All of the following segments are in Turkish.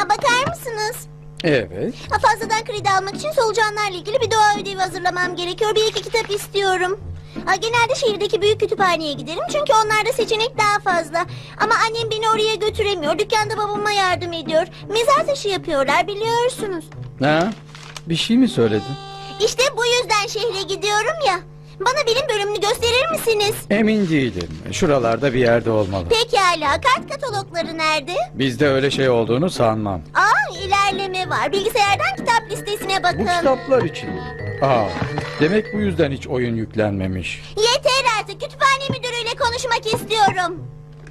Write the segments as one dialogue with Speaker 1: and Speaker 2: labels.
Speaker 1: bakar mısınız?
Speaker 2: Evet.
Speaker 1: Fazladan kredi almak için solucanlarla ilgili bir doğa ödevi hazırlamam gerekiyor. Bir iki kitap istiyorum. Genelde şehirdeki büyük kütüphaneye giderim çünkü onlarda seçenek daha fazla. Ama annem beni oraya götüremiyor. Dükkanda babama yardım ediyor. Mezar taşı yapıyorlar, biliyorsunuz.
Speaker 2: Ha? Bir şey mi söyledin?
Speaker 1: İşte bu yüzden şehre gidiyorum ya. Bana bilim bölümünü gösterir misiniz?
Speaker 2: Emin değilim. Şuralarda bir yerde olmalı.
Speaker 1: Pekala, kart katalogları nerede?
Speaker 2: Bizde öyle şey olduğunu sanmam.
Speaker 1: İlerleme var. Bilgisayardan kitap listesine
Speaker 2: Bu
Speaker 1: bakın.
Speaker 2: kitaplar için. Demek bu yüzden hiç oyun yüklenmemiş.
Speaker 1: Yeter artık. Kütüphane müdürüyle konuşmak istiyorum.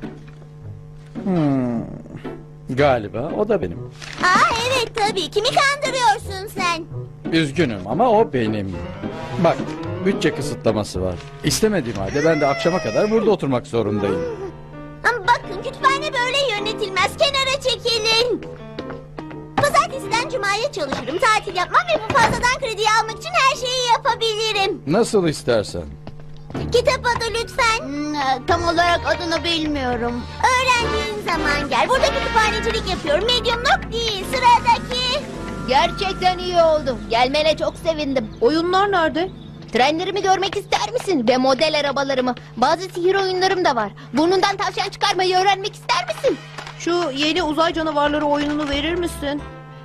Speaker 2: Galiba o da benim.
Speaker 1: Evet tabii. Kimi kandırıyorsun sen?
Speaker 2: Üzgünüm ama o benim. Bak, bütçe kısıtlaması var. İstemediğim halde ben de akşama kadar burada oturmak zorundayım.
Speaker 1: Ama bakın, kütüphane böyle yönetilmez. Kenara çekilin. Pazartesiden cumaya çalışırım. Tatil yapmam ve bu fazladan krediyi almak için her şeyi yapabilirim.
Speaker 2: Nasıl istersen.
Speaker 1: Kitap adı lütfen. Tam olarak adını bilmiyorum. Öğrendiğin zaman gel. Burada kütüphanecilik yapıyorum. Mediumluk değil. Sıradaki.
Speaker 3: Gerçekten iyi oldu. Gelmene çok sevindim.
Speaker 4: Oyunlar nerede?
Speaker 3: Trenlerimi görmek ister misin? Ve model arabalarımı. Bazı sihir oyunlarım da var. Burnundan tavşan çıkarmayı öğrenmek ister misin?
Speaker 4: Şu yeni uzay canavarları oyununu verir misin?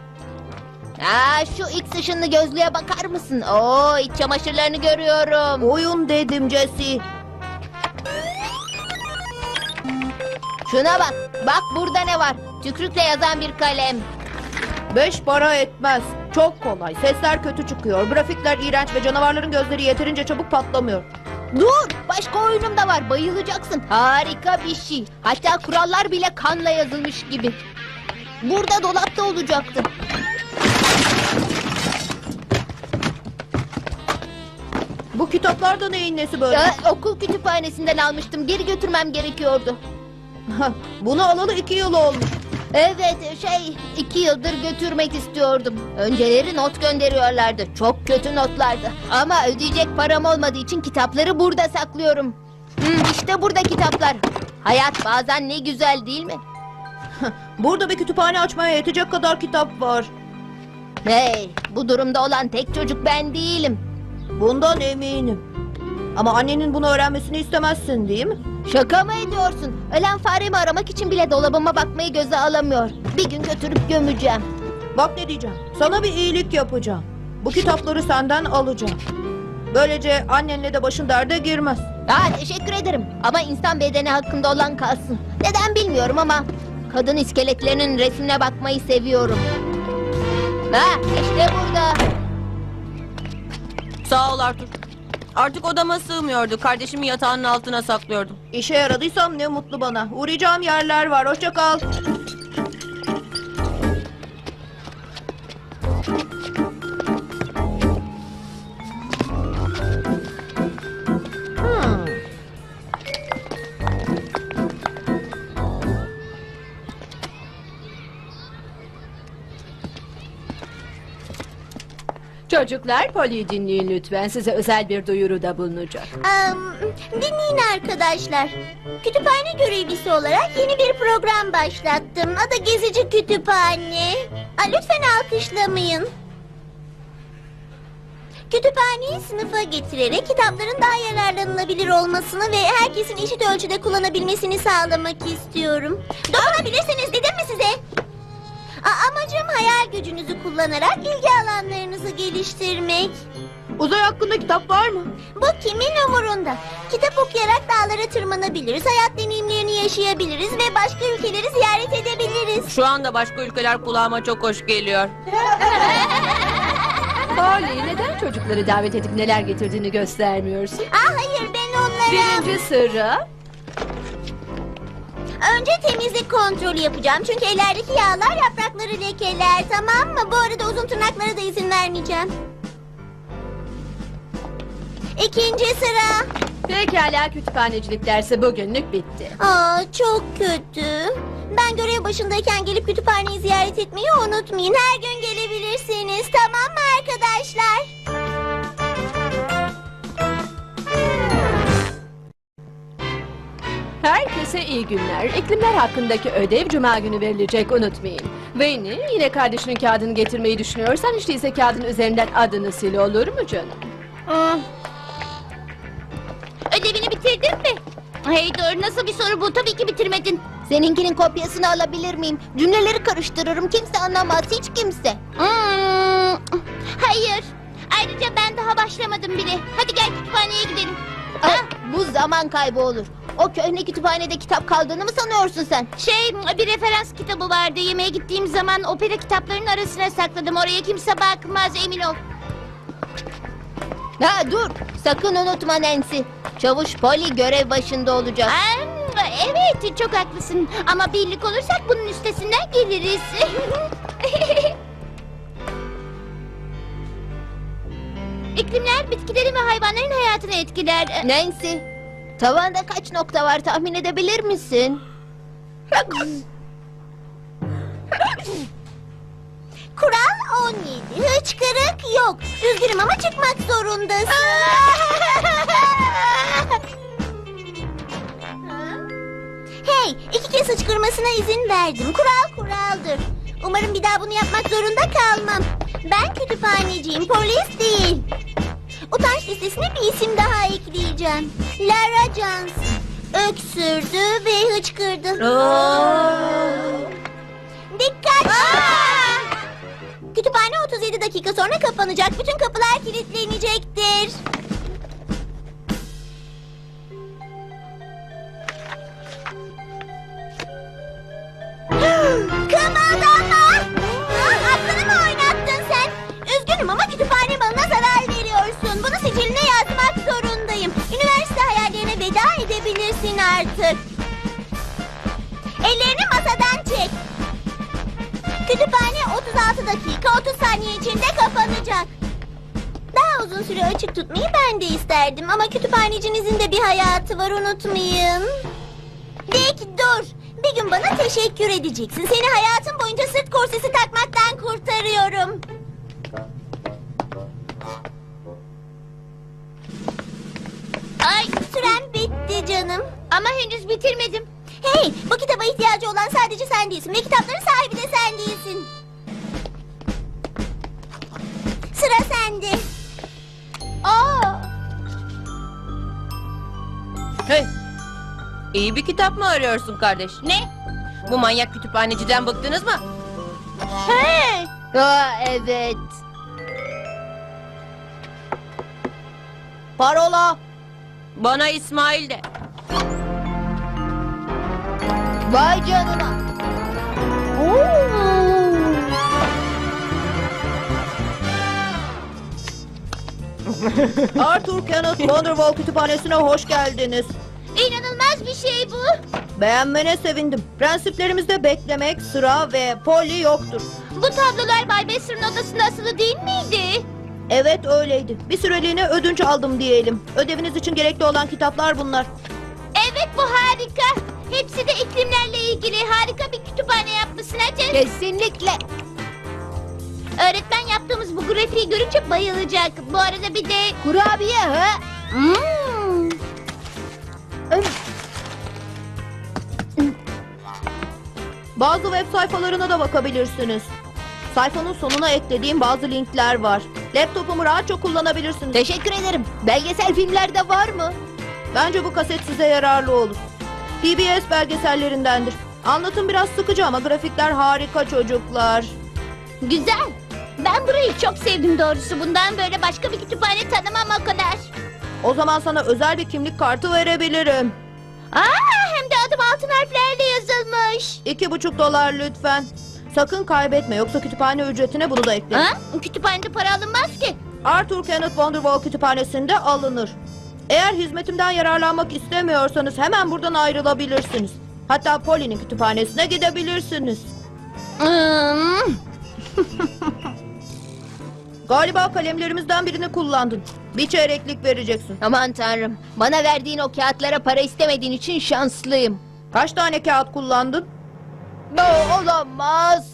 Speaker 3: Şu X ışınlı gözlüğe bakar mısın? Oo, iç çamaşırlarını görüyorum.
Speaker 4: Oyun dedim Jesse.
Speaker 3: Şuna bak. Bak burada ne var? Tükrükle yazan bir kalem.
Speaker 4: 5 para etmez. Çok kolay. Sesler kötü çıkıyor. Grafikler iğrenç ve canavarların gözleri yeterince çabuk patlamıyor.
Speaker 3: Dur! Başka oyunum da var. Bayılacaksın. Harika bir şey. Hatta kurallar bile kanla yazılmış gibi. Burada dolapta olacaktı.
Speaker 4: Bu kitaplar da neyin nesi böyle?
Speaker 3: Okul kütüphanesinden almıştım. Geri götürmem gerekiyordu.
Speaker 4: Bunu alalı 2 yıl olmuş.
Speaker 3: Evet, 2 yıldır götürmek istiyordum. Önceleri not gönderiyorlardı. Çok kötü notlardı. Ama ödeyecek param olmadığı için kitapları burada saklıyorum. İşte burada kitaplar. Hayat bazen ne güzel değil mi?
Speaker 4: Burada bir kütüphane açmaya yetecek kadar kitap var.
Speaker 3: Hey, bu durumda olan tek çocuk ben değilim.
Speaker 4: Bundan eminim. Ama annenin bunu öğrenmesini istemezsin değil mi?
Speaker 3: Şaka mı ediyorsun? Ölen faremi aramak için bile dolabıma bakmayı göze alamıyor. Bir gün götürüp gömeceğim.
Speaker 4: Bak ne diyeceğim. Sana bir iyilik yapacağım. Bu kitapları senden alacağım. Böylece annenle de başın derde girmez.
Speaker 3: Teşekkür ederim. Ama insan bedeni hakkında olan kalsın. Neden bilmiyorum ama kadın iskeletlerinin resmine bakmayı seviyorum. İşte burada.
Speaker 5: Sağ ol Arthur. Artık odama sığmıyordu. Kardeşimi yatağının altına saklıyordum.
Speaker 4: İşe yaradıysam ne mutlu bana. Uğrayacağım yerler var. Hoşça kal.
Speaker 6: Çocuklar, Polly'yi dinleyin lütfen. Size özel bir duyuruda bulunacak.
Speaker 1: Dinleyin arkadaşlar. Kütüphane görevlisi olarak yeni bir program başlattım. Adı Gezici Kütüphane. Lütfen alkışlamayın. Kütüphaneyi sınıfa getirerek kitapların daha yararlanılabilir olmasını ve herkesin eşit ölçüde kullanabilmesini sağlamak istiyorum. Dokunabilirsiniz dedim mi size? Amacım hayal gücünüzü kullanarak ilgi alanlarınızı geliştirmek.
Speaker 4: Uzay hakkında kitap var mı?
Speaker 1: Bu kimin umurunda? Kitap okuyarak dağlara tırmanabiliriz, hayat deneyimlerini yaşayabiliriz ve başka ülkeleri ziyaret edebiliriz.
Speaker 5: Şu anda başka ülkeler kulağıma çok hoş geliyor.
Speaker 6: Polly, neden çocukları davet edip neler getirdiğini göstermiyorsun?
Speaker 1: Hayır, ben onlara...
Speaker 6: Birinci sıra.
Speaker 1: Önce temizlik kontrolü yapacağım çünkü ellerdeki yağlar yaprakları lekeler, tamam mı? Bu arada uzun tırnaklara da izin vermeyeceğim. İkinci sıra.
Speaker 6: Pekala, kütüphanecilik dersi bugünlük bitti.
Speaker 1: Çok kötü. Ben görev başındayken gelip kütüphaneyi ziyaret etmeyi unutmayın. Her gün gelebilirsiniz, tamam mı arkadaşlar?
Speaker 6: Herkese iyi günler. İklimler hakkındaki ödev cuma günü verilecek, unutmayın. Veni, yine kardeşinin kağıdını getirmeyi düşünüyorsan hiç değilse kağıdın üzerinden adını sil, olur mu canım?
Speaker 1: Ödevini bitirdin mi? Hey dur, nasıl bir soru bu? Tabii ki bitirmedin.
Speaker 3: Seninkinin kopyasını alabilir miyim? Cümleleri karıştırırım. Kimse anlamaz. Hiç kimse.
Speaker 1: Hayır. Ayrıca ben daha başlamadım bile. Hadi gel kütüphaneye gidelim.
Speaker 3: Bu zaman kaybı olur. O köhne kütüphanede kitap kaldığını mı sanıyorsun sen?
Speaker 1: Bir referans kitabı vardı. Yemeğe gittiğim zaman opera kitaplarının arasına sakladım. Oraya kimse bakmaz, emin ol.
Speaker 3: Ha dur. Sakın unutma Nancy. Çavuş Polly görev başında olacak.
Speaker 1: Evet, çok haklısın. Ama birlik olursak bunun üstesinden geliriz. İklimler bitkilerin ve hayvanların hayatını etkiler.
Speaker 3: Nancy, tavanda kaç nokta var tahmin edebilir misin?
Speaker 1: Kural 17. Hıçkırık yok. Üzgünüm ama çıkmak zorundasın. Hey, 2 kez hıçkırmasına izin verdim. Kural kuraldır. Umarım bir daha bunu yapmak zorunda kalmam. Ben kütüphaneciyim, polis değil. Utanç listesine bir isim daha ekleyeceğim. Lara Johnson. Öksürdü ve hıçkırdı. Dikkat! Kütüphane 37 dakika sonra kapanacak. Bütün kapılar kilitlenecektir. Kımıldama! Aklını mı oynattın sen? Üzgünüm ama kütüphane malına zarar veriyorsun. Bunu siciline yazmak zorundayım. Üniversite hayallerine veda edebilirsin artık. Ellerini masadan çek. Kütüphane 36 dakika 30 saniye içinde kapanacak. Daha uzun süre açık tutmayı ben de isterdim ama kütüphanecinizin de bir hayatı var, unutmayın. Dick dur. Bir gün bana teşekkür edeceksin. Seni hayatın boyunca sırt korsesi takmaktan kurtarıyorum. Ay, süren bitti canım. Ama henüz bitirmedim. Hey, bu kitaba ihtiyacı olan sadece sen değilsin ve kitapların sahibi de sen değilsin. Sıra sende.
Speaker 5: Hey, iyi bir kitap mı arıyorsun kardeş?
Speaker 1: Ne?
Speaker 5: Bu manyak kütüphaneciden bıktınız mı?
Speaker 1: Hey!
Speaker 3: Evet. Parola.
Speaker 5: Bana İsmail de.
Speaker 3: Vay canına.
Speaker 4: Arthur Kenneth Wonderwall Kütüphanesi'ne hoş geldiniz.
Speaker 1: İnanılmaz bir şey bu.
Speaker 4: Beğenmene sevindim. Prensiplerimizde beklemek, sıra ve Polly yoktur.
Speaker 1: Bu tablolar Bay Besser'ın odasında asılı değil miydi?
Speaker 4: Evet öyleydi. Bir süreliğine ödünç aldım diyelim. Ödeviniz için gerekli olan kitaplar bunlar.
Speaker 1: Evet, bu harika. Hepsi de iklimlerle ilgili. Harika bir kütüphane yapmışsın Hacı.
Speaker 3: Kesinlikle.
Speaker 1: Öğretmen yaptığımız bu grafiği görünce bayılacak. Bu arada bir de...
Speaker 3: Kurabiye ha?
Speaker 4: Bazı web sayfalarına da bakabilirsiniz. Sayfanın sonuna eklediğim bazı linkler var. Laptopumu rahatça kullanabilirsiniz.
Speaker 3: Teşekkür ederim. Belgesel filmlerde var mı?
Speaker 4: Bence bu kaset size yararlı olur. PBS belgesellerindendir. Anlatım biraz sıkıcı ama grafikler harika çocuklar.
Speaker 1: Güzel. Ben burayı çok sevdim doğrusu. Bundan böyle başka bir kütüphane tanımam o kadar.
Speaker 4: O zaman sana özel bir kimlik kartı verebilirim.
Speaker 1: Hem de adım altın harflerle yazılmış.
Speaker 4: $2,5 lütfen. Sakın kaybetme yoksa kütüphane ücretine bunu da ekle.
Speaker 1: Kütüphanede para alınmaz ki.
Speaker 4: Arthur Kenneth Wonderwall Kütüphanesi'nde alınır. Eğer hizmetimden yararlanmak istemiyorsanız hemen buradan ayrılabilirsiniz. Hatta Polly'nin kütüphanesine gidebilirsiniz. Galiba kalemlerimizden birini kullandın. Bir çeyreklik vereceksin.
Speaker 3: Aman tanrım. Bana verdiğin o kağıtlara para istemediğin için şanslıyım.
Speaker 4: Kaç tane kağıt kullandın?
Speaker 3: Olamaz.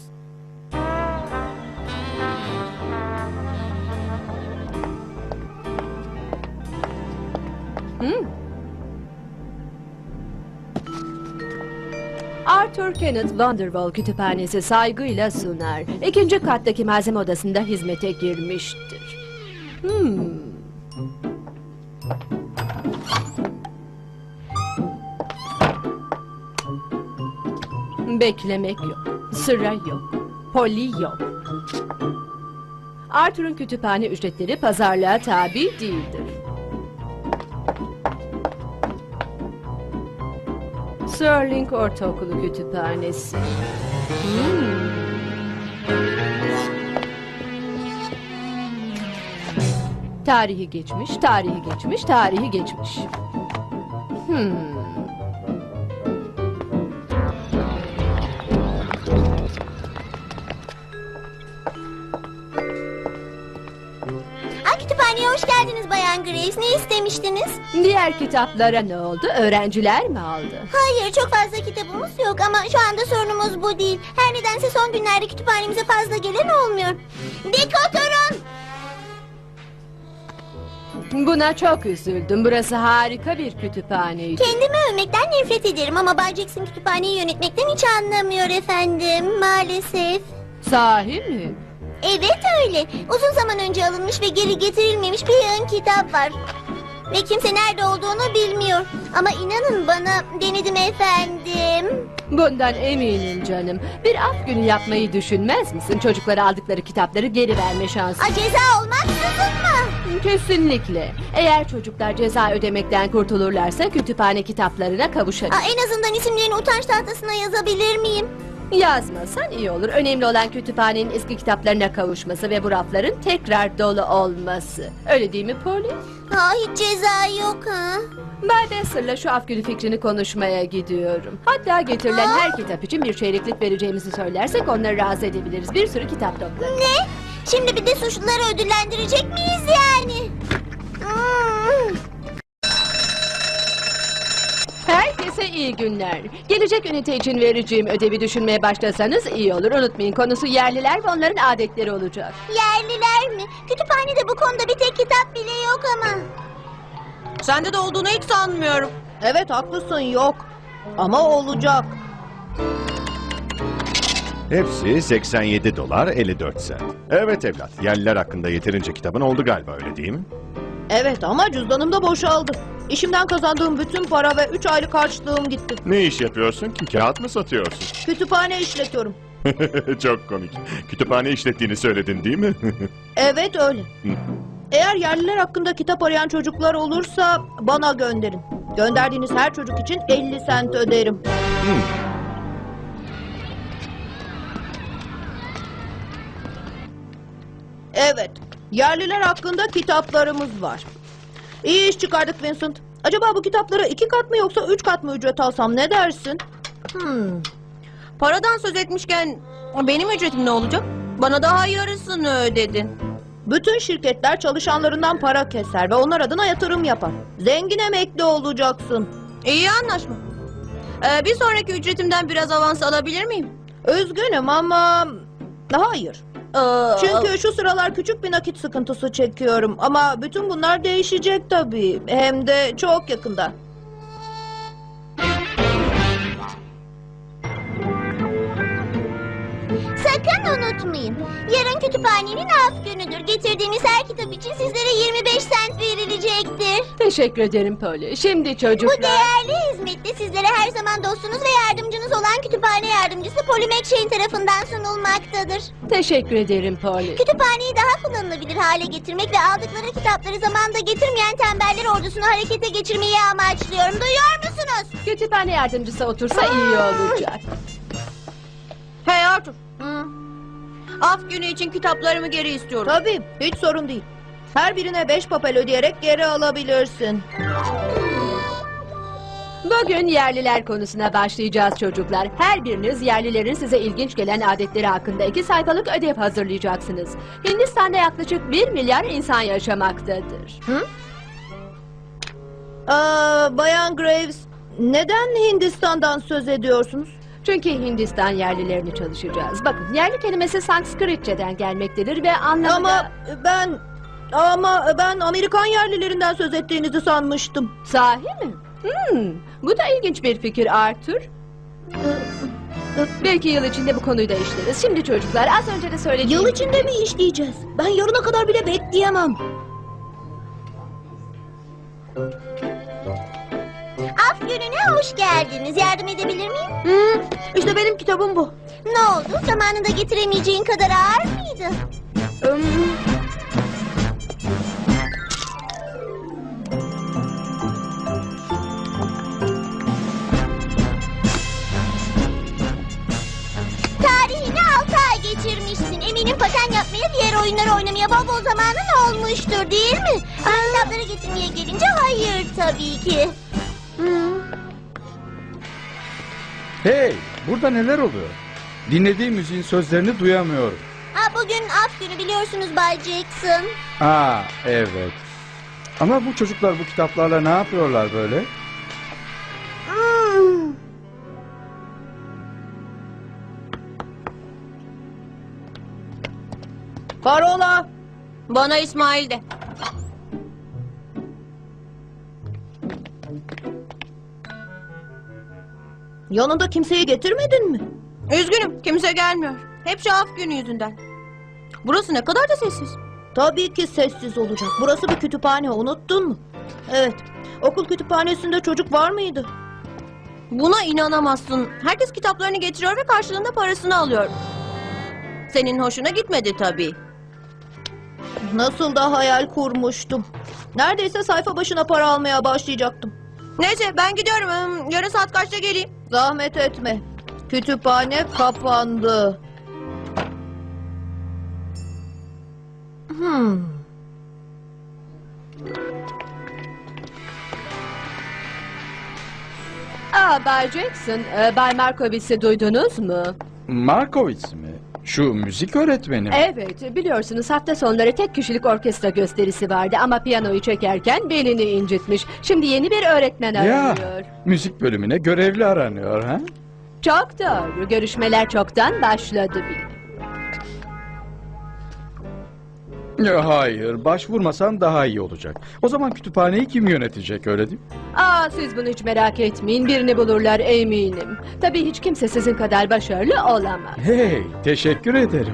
Speaker 6: Arthur Kenneth Wonderwall Kütüphanesi saygıyla sunar. 2. kattaki malzeme odasında hizmete girmiştir. Beklemek yok, sıra yok, Polly yok. Arthur'un kütüphane ücretleri pazarlığa tabi değildir. Sterling Ortaokulu Kütüphanesi. Tarihi geçmiş, tarihi geçmiş, tarihi geçmiş.
Speaker 1: Kütüphaneye hoş geldiniz Bayan Graves. Ne istemiştiniz?
Speaker 6: Diğer kitaplara ne oldu? Öğrenciler mi aldı?
Speaker 1: Hayır, çok fazla kitabımız yok ama şu anda sorunumuz bu değil. Her nedense son günlerde kütüphanemize fazla gelen olmuyor. Dik oturun!
Speaker 6: Buna çok üzüldüm. Burası harika bir kütüphaneydi.
Speaker 1: Kendimi övmekten nefret ederim ama Bay Jackson kütüphaneyi yönetmekten hiç anlamıyor efendim. Maalesef.
Speaker 6: Sahi mi?
Speaker 1: Evet öyle. Uzun zaman önce alınmış ve geri getirilmemiş bir yığın kitap var. Ve kimse nerede olduğunu bilmiyor. Ama inanın bana, denedim efendim.
Speaker 6: Bundan eminim canım. Bir af günü yapmayı düşünmez misin? Çocuklara aldıkları kitapları geri verme şansı.
Speaker 1: Ceza olmaksızın mı?
Speaker 6: Kesinlikle. Eğer çocuklar ceza ödemekten kurtulurlarsa kütüphane kitaplarına kavuşabilir.
Speaker 1: En azından isimlerini utanç tahtasına yazabilir miyim?
Speaker 6: Yazmasan iyi olur. Önemli olan kütüphanenin eski kitaplarına kavuşması ve bu rafların tekrar dolu olması. Öyle değil mi Polly?
Speaker 1: Hiç ceza yok ha.
Speaker 6: Bay Besser'la şu af günü fikrini konuşmaya gidiyorum. Hatta getirilen her kitap için bir çeyreklik vereceğimizi söylersek onları razı edebiliriz. Bir sürü kitap toplarız.
Speaker 1: Ne? Şimdi bir de suçluları ödüllendirecek miyiz yani?
Speaker 6: Herkese iyi günler. Gelecek ünite için vereceğim ödevi düşünmeye başlasanız iyi olur. Unutmayın, konusu yerliler ve onların adetleri olacak.
Speaker 1: Yerliler mi? Kütüphanede bu konuda bir tek kitap bile yok ama.
Speaker 5: Sende de olduğunu hiç sanmıyorum.
Speaker 4: Evet haklısın, yok. Ama olacak.
Speaker 7: Hepsi 87 dolar 54 sent. Evet evlat, yerliler hakkında yeterince kitabın oldu galiba, öyle değil mi?
Speaker 4: Evet ama cüzdanım da boşaldı. İşimden kazandığım bütün para ve 3 aylık harçlığım gitti.
Speaker 7: Ne iş yapıyorsun ki? Kağıt mı satıyorsun?
Speaker 4: Kütüphane işletiyorum.
Speaker 7: Çok komik. Kütüphane işlettiğini söyledin değil mi?
Speaker 4: Evet öyle. Eğer yerliler hakkında kitap arayan çocuklar olursa bana gönderin. Gönderdiğiniz her çocuk için 50 sent öderim. Evet, yerliler hakkında kitaplarımız var. İyi iş çıkardık Vincent. Acaba bu kitaplara 2 kat mı yoksa 3 kat mı ücret alsam, ne dersin?
Speaker 5: Paradan söz etmişken benim ücretim ne olacak? Bana daha yarısını ödedin.
Speaker 4: Bütün şirketler çalışanlarından para keser ve onlar adına yatırım yapar. Zengin emekli olacaksın.
Speaker 5: İyi anlaşma. Bir sonraki ücretimden biraz avans alabilir miyim?
Speaker 4: Üzgünüm ama hayır.
Speaker 5: Ee,
Speaker 4: Çünkü şu sıralar küçük bir nakit sıkıntısı çekiyorum. Ama bütün bunlar değişecek tabii. Hem de çok yakında.
Speaker 1: Sakın unutmayın. Yarın kütüphanenin af günüdür. Getirdiğiniz her kitap için sizlere 25 sent verilecektir.
Speaker 6: Teşekkür ederim Polly. Şimdi
Speaker 1: Bu
Speaker 6: çocuklar...
Speaker 1: değerli hizmette sizlere her zaman dostunuz ve yardımcınız olan kütüphane yardımcısı Polly McShane tarafından sunulmaktadır.
Speaker 6: Teşekkür ederim Polly.
Speaker 1: Kütüphaneyi daha kullanılabilir hale getirmek ve aldıkları kitapları zamanında getirmeyen tembeller ordusunu harekete geçirmeyi amaçlıyorum. Duyuyor musunuz?
Speaker 6: Kütüphane yardımcısı otursa iyi olacak.
Speaker 5: Hey Arthur. Af günü için kitaplarımı geri istiyorum.
Speaker 4: Tabii, hiç sorun değil. Her birine 5 papel ödeyerek geri alabilirsin.
Speaker 6: Bugün yerliler konusuna başlayacağız çocuklar. Her biriniz yerlilerin size ilginç gelen adetleri hakkında 2 sayfalık ödev hazırlayacaksınız. Hindistan'da yaklaşık 1 milyar insan yaşamaktadır.
Speaker 4: Bayan Graves, neden Hindistan'dan söz ediyorsunuz?
Speaker 6: Çünkü Hindistan yerlilerini çalışacağız. Bakın, yerli kelimesi Sanskritçeden gelmektedir ve anlamı da...
Speaker 4: Ama ben Amerikan yerlilerinden söz ettiğinizi sanmıştım.
Speaker 6: Sahi mi? Bu da ilginç bir fikir Arthur. Belki yıl içinde bu konuyu da işleriz. Şimdi çocuklar az önce de söylediğim...
Speaker 4: Yıl içinde mi işleyeceğiz? Ben yarına kadar bile bekleyemem.
Speaker 1: Af gününe hoş geldiniz. Yardım edebilir miyim?
Speaker 4: İşte benim kitabım bu.
Speaker 1: Ne oldu? Zamanında getiremeyeceğin kadar ağır mıydı? Tarihini 6 ay geçirmişsin. Eminim paten yapmaya, diğer oyunları oynamaya bol bol zamanın olmuştur, değil mi? Ama kitapları getirmeye gelince hayır tabii ki.
Speaker 2: Hey, burada neler oluyor? Dinlediğim müziğin sözlerini duyamıyorum.
Speaker 1: Bugün af günü biliyorsunuz Bay Jackson.
Speaker 2: Evet. Ama bu çocuklar bu kitaplarla ne yapıyorlar böyle?
Speaker 1: Hmm.
Speaker 4: Parola.
Speaker 5: Bana İsmail de.
Speaker 4: Yanında kimseyi getirmedin mi?
Speaker 5: Üzgünüm, kimse gelmiyor. Hep şu af günü yüzünden. Burası ne kadar da sessiz.
Speaker 4: Tabii ki sessiz olacak. Burası bir kütüphane, unuttun mu? Evet. Okul kütüphanesinde çocuk var mıydı?
Speaker 5: Buna inanamazsın. Herkes kitaplarını getiriyor ve karşılığında parasını alıyor. Senin hoşuna gitmedi tabii.
Speaker 4: Nasıl da hayal kurmuştum. Neredeyse sayfa başına para almaya başlayacaktım.
Speaker 5: Neyse ben gidiyorum. Yarın saat kaçta geleyim?
Speaker 4: Zahmet etme. Kütüphane kapandı.
Speaker 6: Bay Jackson, Bay Markowitz'i duydunuz mu?
Speaker 2: Markowitz mi? Şu müzik öğretmeni mi?
Speaker 6: Evet, biliyorsunuz hafta sonları tek kişilik orkestra gösterisi vardı ama piyanoyu çekerken belini incitmiş. Şimdi yeni bir öğretmen
Speaker 2: Ya,
Speaker 6: aranıyor.
Speaker 2: müzik bölümüne görevli aranıyor ha?
Speaker 6: Çok doğru, görüşmeler çoktan başladı bile.
Speaker 2: Ya, hayır, başvurmasan daha iyi olacak. O zaman kütüphaneyi kim yönetecek, öyle değil mi?
Speaker 6: Siz bunu hiç merak etmeyin, birini bulurlar eminim. Tabii hiç kimse sizin kadar başarılı olamaz.
Speaker 2: Hey, teşekkür ederim.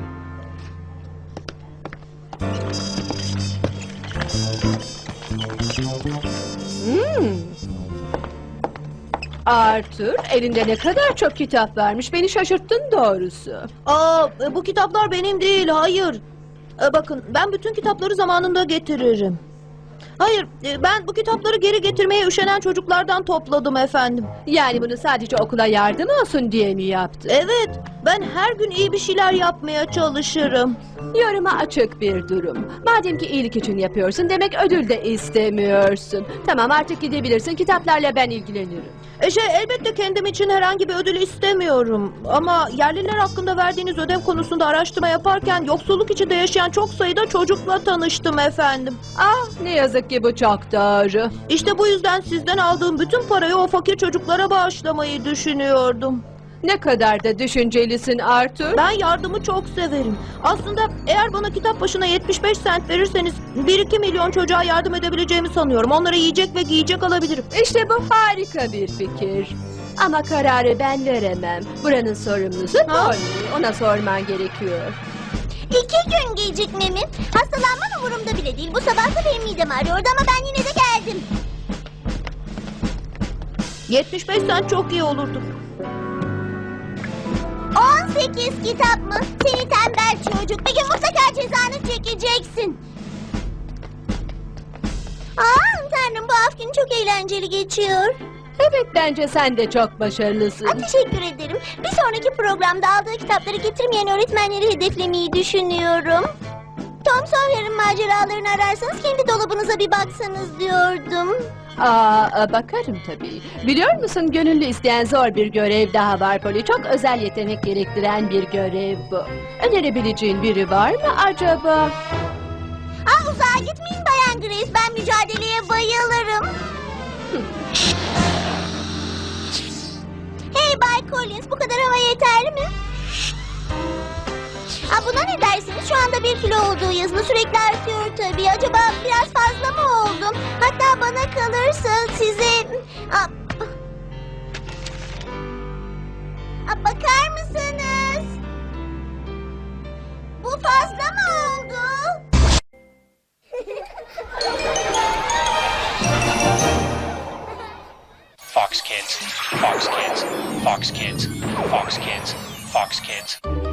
Speaker 6: Arthur, elinde ne kadar çok kitap varmış, beni şaşırttın doğrusu.
Speaker 4: Bu kitaplar benim değil, hayır. Bakın, ben bütün kitapları zamanında getiririm. Hayır, ben bu kitapları geri getirmeye üşenen çocuklardan topladım efendim.
Speaker 6: Yani bunu sadece okula yardım olsun diye mi yaptın?
Speaker 4: Evet, ben her gün iyi bir şeyler yapmaya çalışırım.
Speaker 6: Yoruma açık bir durum. Madem ki iyilik için yapıyorsun, demek ödül de istemiyorsun. Tamam, artık gidebilirsin, kitaplarla ben ilgilenirim.
Speaker 4: Elbette kendim için herhangi bir ödül istemiyorum. Ama yerliler hakkında verdiğiniz ödev konusunda araştırma yaparken yoksulluk içinde yaşayan çok sayıda çocukla tanıştım efendim.
Speaker 6: Ne yazık ki bu çok doğru.
Speaker 4: İşte bu yüzden sizden aldığım bütün parayı o fakir çocuklara bağışlamayı düşünüyordum.
Speaker 6: Ne kadar da düşüncelisin Arthur.
Speaker 4: Ben yardımı çok severim. Aslında eğer bana kitap başına 75 sent verirseniz 1-2 milyon çocuğa yardım edebileceğimi sanıyorum. Onlara yiyecek ve giyecek alabilirim.
Speaker 6: İşte bu harika bir fikir. Ama kararı ben veremem. Buranın sorumlusu Polly. Ona sorman gerekiyor.
Speaker 1: 2 gün gecikme mi? Hastalanman umurumda bile değil. Bu sabah da benim midem ağrıyordu ama ben yine de geldim.
Speaker 4: 75 sent çok iyi olurdu.
Speaker 1: 18 kitap mı? Seni tembel çocuk. Bir gün mutlaka cezanı çekeceksin. Tanrım, bu af günü çok eğlenceli geçiyor.
Speaker 6: Evet, bence sen de çok başarılısın.
Speaker 1: Teşekkür ederim. Bir sonraki programda aldığı kitapları getirmeyen öğretmenleri hedeflemeyi düşünüyorum. Tom Sawyer'ın maceralarını ararsanız kendi dolabınıza bir baksanız diyordum.
Speaker 6: Bakarım tabii. Biliyor musun, gönüllü isteyen zor bir görev daha var Polly. Çok özel yetenek gerektiren bir görev bu. Önerebileceğin biri var mı acaba?
Speaker 1: Uzağa gitmeyin Bayan Grace. Ben mücadeleye bayılırım. Hey Bay Collins, bu kadar hava yeterli mi? Buna ne dersiniz? Şu anda 1 kilo olduğu yazılı, sürekli artıyor tabii. Acaba biraz fazla mı oldum? Hatta bana kalırsa size... Bakar
Speaker 8: Fox Kids, Fox Kids, Fox Kids, Fox Kids, Fox Kids.